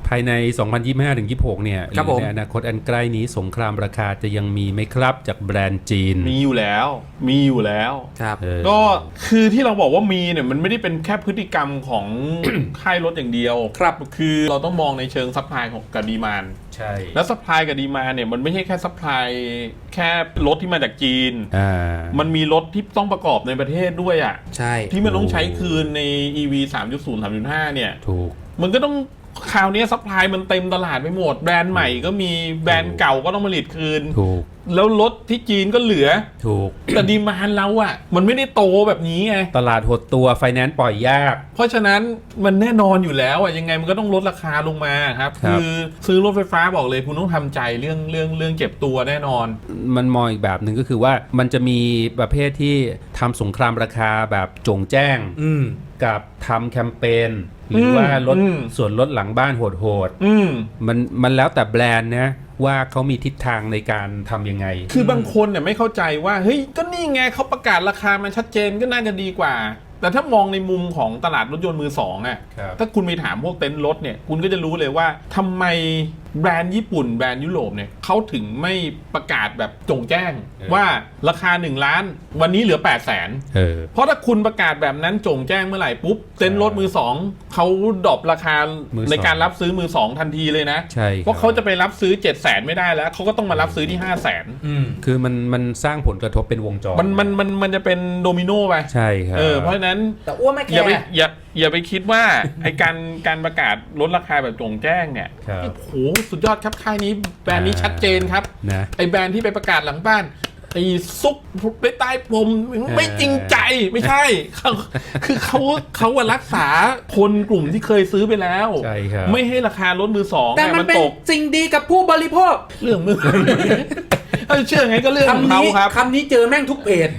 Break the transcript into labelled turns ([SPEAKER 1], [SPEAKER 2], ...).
[SPEAKER 1] ภายใน 2025-26 เนี่ยหรือในอนาคตอันใกล้นี้สงครามราคาจะยังมีไหมครับจากแบรนด์จีน
[SPEAKER 2] มีอยู่แล้ว
[SPEAKER 3] ครับ
[SPEAKER 2] ก็คือที่เราบอกว่ามีเนี่ยมันไม่ได้เป็นแค่พฤติกรรมของ ค่ายรถอย่างเดียว
[SPEAKER 3] ครับ
[SPEAKER 2] คือเราต้องมองในเชิงซัพพลายของกับดีมานด์
[SPEAKER 1] ใช่
[SPEAKER 2] แล้วซัพพลายกับดีมานด์เนี่ยมันไม่ใช่แค่ซัพพลายแค่รถที่มาจากจีนมันมีรถที่ต้องประกอบในประเทศด้วยอ่ะ
[SPEAKER 3] ใช่
[SPEAKER 2] ที่มันต้องใช้คืนใน EV 3.0 3.5 เนี่ย
[SPEAKER 1] ถูก
[SPEAKER 2] มันก็ต้องคราวนี้ซัพพลายมันเต็มตลาดไปหมดแบรนด์ใหม่ก็มีแบรนด์เก่าก็ต้องผลิตคืน
[SPEAKER 1] ถูก
[SPEAKER 2] แล้วรถที่จีนก็เหลือ
[SPEAKER 1] ถูก
[SPEAKER 2] แต่ดีมานด์เราอ่ะมันไม่ได้โตแบบนี้ไง
[SPEAKER 1] ตลาดหดตัวไฟแนนซ์ปล่อยยาก
[SPEAKER 2] เพราะฉะนั้นมันแน่นอนอยู่แล้วอ่ะยังไงมันก็ต้องลดราคาลงมาครับคือซื้อรถไฟฟ้าบอกเลยคุณต้องทำใจเรื่องเก็บตัวแน่นอน
[SPEAKER 1] มันมองอีกแบบหนึ่งก็คือว่ามันจะมีประเภทที่ทำสงครามราคาแบบจงแจ้งกับทำแคมเปญหรือว่าลดส่วนลดหลังบ้านโหดๆมันแล้วแต่แบรนด์นะว่าเขามีทิศทางในการทำยังไง
[SPEAKER 2] คือบางคนเนี่ยไม่เข้าใจว่าเฮ้ยก็นี่ไงเขาประกาศราคามันชัดเจนก็น่าจะดีกว่าแต่ถ้ามองในมุมของตลาดรถยนต์มือสองอ่ะถ้าคุณไปถามพวกเต็นท์รถเนี่ยคุณก็จะรู้เลยว่าทำไมแบรนด์ญี่ปุ่นแบรนด์ยุโรปเนี่ยเขาถึงไม่ประกาศแบบจงแจ้งว่าราคา1 ล้านวันนี้เหลือ 800,000เพราะถ้าคุณประกาศแบบนั้นจงแจ้งเมื่อไหร่ปุ๊บเต็นท์รถมือสองเขาดรอปราคาในการรับซื้อมือสองทันทีเลยนะเพราะเขาจะไปรับซื้อ 700,000 ไม่ได้แล้วเขาก็ต้องมารับซื้อที่ 500,000
[SPEAKER 1] คือมันสร้างผลกระทบเป็นวงจร
[SPEAKER 2] มันจะเป็นโดมิโนไป
[SPEAKER 1] ใช่ครับ
[SPEAKER 2] เพราะฉะนั้น
[SPEAKER 3] แต่อ้วนไม่แคร์
[SPEAKER 2] อย่าไปคิดว่า ไอการประกาศลดราคาแบบจงแจ้งเนี่ยโอ้โหสุดยอดครับค่ายนี้แบรนด์นี้ชัดเจนครับไอแบรนด์ที่ไปประกาศหลังบ้านไอซุกไปใต้ผมไม่จริงใจไม่ใช่คือเขารักษาคนกลุ่มที่เคยซื้อไปแล้วไม่ให้ราคาลดมือสอง
[SPEAKER 3] แต่มันเป็นสิ่งดีกับผู้บริโภค
[SPEAKER 2] เรื่องมือเชื่อไงก็เรื่องของเขาครับ
[SPEAKER 3] คำนี้เจอแม่งทุกเพจ